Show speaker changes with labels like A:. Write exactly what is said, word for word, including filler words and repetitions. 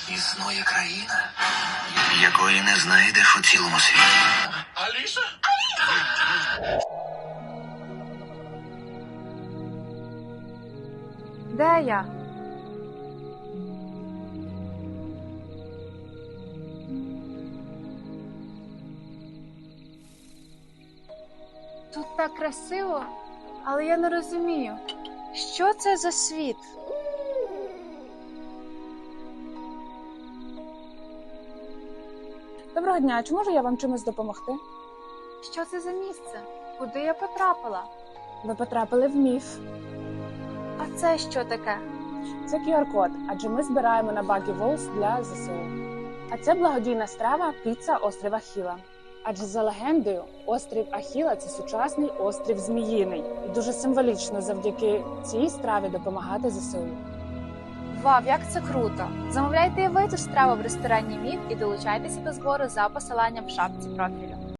A: Існує країна, якої не знайдеш у цілому світі. Аліса?
B: Де я? Тут так красиво, але я не розумію, що це за світ?
C: Доброго дня, чи можу я вам чимось допомогти?
B: Що це за місце? Куди я потрапила?
C: Ви потрапили в міф.
B: А це що таке?
C: Це ку ар код, адже ми збираємо на Buggy Walls для зе се у. А це благодійна страва піца острів Ахіла. Адже за легендою, острів Ахіла – це сучасний острів Зміїний. І дуже символічно завдяки цій страві допомагати зе се у.
B: Вау, як це круто! Замовляйте і ви цю страву в ресторані Міф і долучайтеся до збору за посиланням в шапці профілю.